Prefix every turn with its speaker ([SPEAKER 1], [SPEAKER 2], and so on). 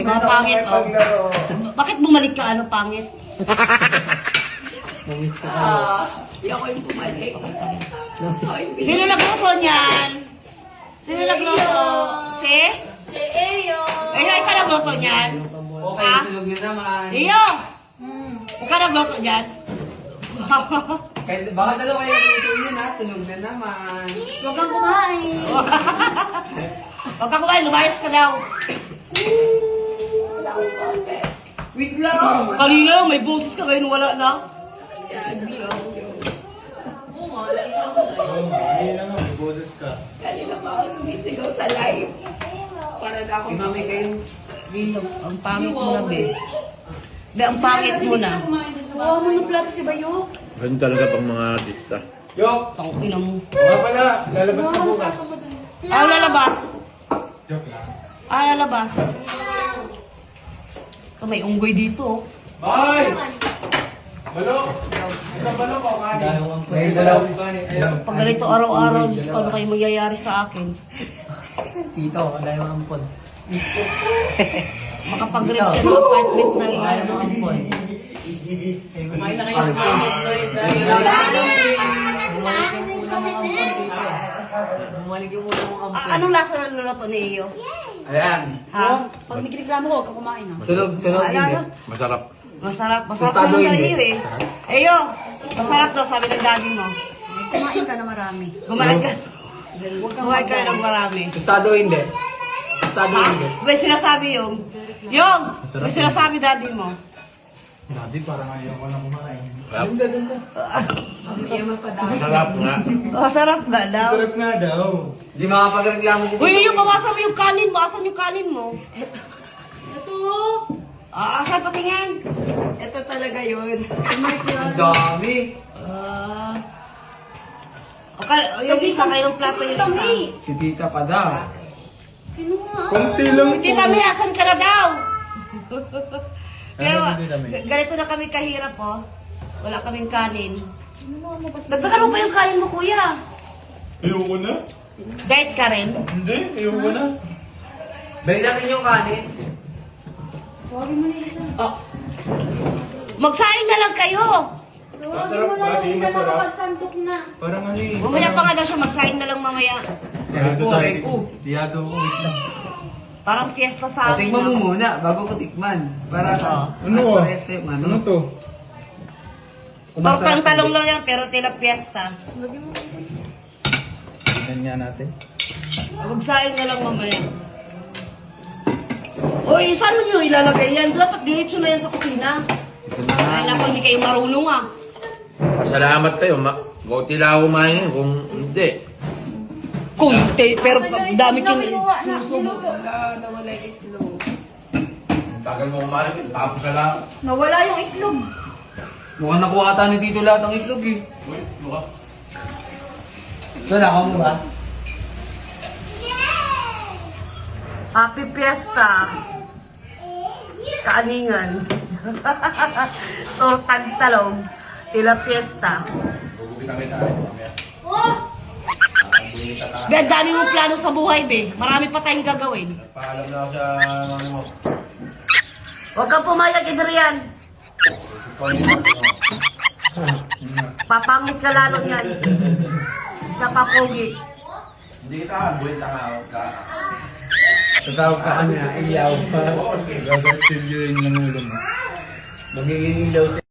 [SPEAKER 1] Mga pangit, oh. Bakit bumalik ka, ano, pangit?
[SPEAKER 2] Namiss ko ka.
[SPEAKER 3] Hindi ako yung bumalik.
[SPEAKER 1] Sino nagluto niyan? Sino nagluto? Si?
[SPEAKER 4] Si Eyo.
[SPEAKER 1] Iyo, ikaw nagluto niyan?
[SPEAKER 2] Okay,
[SPEAKER 1] Ha?
[SPEAKER 2] sunog nyo naman.
[SPEAKER 1] Iyo! Ikaw nagluto niyan?
[SPEAKER 2] Kahit, baka dalawa kayo nagluto yun ha, sunog na naman.
[SPEAKER 4] Huwag kang kumain.
[SPEAKER 1] Huwag ka kumain, lumayas ka daw.
[SPEAKER 2] Wait lang!
[SPEAKER 1] Kanina, may boses ka ngayon, wala na.
[SPEAKER 3] Kanina pa ako sumisigaw sa live. Para na ako.
[SPEAKER 2] Imamay kayo, please.
[SPEAKER 1] Ang pangit mo na, be. Be, ang pangit mo na.
[SPEAKER 4] Wow, mo ng plato si Bayo.
[SPEAKER 5] Ganun talaga pang mga artista.
[SPEAKER 6] Yok!
[SPEAKER 1] Tangina mo.
[SPEAKER 6] Nga pala, lalabas na bukas.
[SPEAKER 1] Ah, lalabas.
[SPEAKER 6] Joke lang.
[SPEAKER 1] Ah, lalabas. Ito, may unggoy dito.
[SPEAKER 6] Bye! Balok! Isang balok o kanin?
[SPEAKER 2] Dalawang
[SPEAKER 6] May dalawang kanin.
[SPEAKER 1] Pag ganito araw-araw, Diyos ko, ano kayo magyayari sa akin?
[SPEAKER 2] Tito, dalawang ampon.
[SPEAKER 1] Makapag-rent ka ng apartment na yun.
[SPEAKER 2] Dalawang ampon.
[SPEAKER 3] Kumain na kayo ng kanin, Lloyd.
[SPEAKER 2] Bumalik yung ulo mong ampon.
[SPEAKER 1] Anong lasa ng luluto ni Iyo?
[SPEAKER 2] Ayan.
[SPEAKER 1] Ha?
[SPEAKER 4] Pag nagreklamo ko, huwag kang kumain ha.
[SPEAKER 2] Sunog, sunog hindi.
[SPEAKER 5] Masarap.
[SPEAKER 1] Masarap. Masarap
[SPEAKER 2] Tostado
[SPEAKER 1] naman sa
[SPEAKER 2] hindi.
[SPEAKER 1] iyo eh. Iyo, masarap daw, sabi ng daddy mo.
[SPEAKER 4] Kumain ka na marami.
[SPEAKER 1] Kumain ka. Kumain ka ng marami.
[SPEAKER 2] Tostado hindi. Tostado
[SPEAKER 1] Ha?
[SPEAKER 2] hindi.
[SPEAKER 1] May sinasabi yung. Yung! May sinasabi daddy mo.
[SPEAKER 6] Dati parang ayaw ko lang kumain.
[SPEAKER 5] Masarap nga.
[SPEAKER 1] Masarap nga daw.
[SPEAKER 6] Sarap nga daw.
[SPEAKER 2] Di makapagreklamo si Tito.
[SPEAKER 1] Uy, yung bawasan mo yung kanin mo. Asan yung kanin mo?
[SPEAKER 4] Ito.
[SPEAKER 1] Asan patingin?
[SPEAKER 3] Ito talaga yun.
[SPEAKER 2] Ang dami.
[SPEAKER 1] Yung isa kayong plato yung isa.
[SPEAKER 4] Kami.
[SPEAKER 2] Si Tita pa daw.
[SPEAKER 4] Kinuha.
[SPEAKER 6] Kunti lang
[SPEAKER 1] Hindi kami, asan ka na daw? Pero,
[SPEAKER 6] Ano, hindi kami?
[SPEAKER 1] ganito na kami kahirap, oh. Wala kaming kanin.
[SPEAKER 4] Kinuha mo ba si
[SPEAKER 1] Nagtatanong pa yung kanin mo, kuya.
[SPEAKER 6] Ayoko na.
[SPEAKER 1] Diet ka rin?
[SPEAKER 6] Hindi, ayoko na.
[SPEAKER 2] Balik natin yung kanin.
[SPEAKER 4] Huwagin mo na yung isa.
[SPEAKER 1] Magsaing na lang kayo.
[SPEAKER 4] Huwagin
[SPEAKER 6] Masarap
[SPEAKER 4] mo na
[SPEAKER 6] ba? Di
[SPEAKER 4] yung isa
[SPEAKER 6] masarap?
[SPEAKER 4] nakapagsantok na.
[SPEAKER 6] Parang ano eh.
[SPEAKER 1] Mamaya pa nga daw siya, magsaing na lang mamaya.
[SPEAKER 6] Diyado
[SPEAKER 2] Ay,
[SPEAKER 6] tayo.
[SPEAKER 2] ko.
[SPEAKER 6] Diyado ko. Wait lang.
[SPEAKER 1] Parang fiesta sa amin.
[SPEAKER 2] Tikman mo
[SPEAKER 1] ah.
[SPEAKER 2] muna, bago ko tikman. Para
[SPEAKER 6] Ano oh?
[SPEAKER 2] parehas tayo,
[SPEAKER 6] Ano
[SPEAKER 2] ano?
[SPEAKER 6] to?
[SPEAKER 1] Tortang talong lang yan, pero tila fiesta.
[SPEAKER 4] Huwagin mo.
[SPEAKER 6] Tignan nga natin.
[SPEAKER 1] Magsaing na lang mamaya. Uy, saan mo nyo ilalagay yan? Dapat diretso na yan sa kusina.
[SPEAKER 2] Ito na.
[SPEAKER 1] Ay, naku, hindi kayo marunong ah.
[SPEAKER 5] Pasalamat kayo. Buti lang ako kumain kung hindi.
[SPEAKER 1] Kunti, pero dami kong
[SPEAKER 4] Kinuha na.
[SPEAKER 1] susubo.
[SPEAKER 3] Wala, nawala yung itlog.
[SPEAKER 5] Tagal mo kumain. Tapos ka lang.
[SPEAKER 4] Nawala yung itlog.
[SPEAKER 2] Mukhang nakuha ata ni Tito lahat ng itlog eh.
[SPEAKER 5] Uy, mukha.
[SPEAKER 2] Ito, nakaw mo ba?
[SPEAKER 1] Happy Fiesta! Kaaningan. Tortang talong. Tila Fiesta.
[SPEAKER 5] Gugupi kami tayo. Mamaya.
[SPEAKER 4] Oh!
[SPEAKER 5] Bunita ka.
[SPEAKER 1] Be, ang dami mong plano sa buhay, be. Marami pa tayong gagawin.
[SPEAKER 5] Paalam na ako sa mga mo.
[SPEAKER 1] Huwag kang pumayag, Adrian. Papangit ka lalo yan. Isa pa pogi.
[SPEAKER 5] Hindi kita. Buwita ka.
[SPEAKER 2] Tatawag ka kami, iyaw.
[SPEAKER 5] Oo, sige.
[SPEAKER 6] Gagawin yung ulo mo.
[SPEAKER 2] Magiging ilaw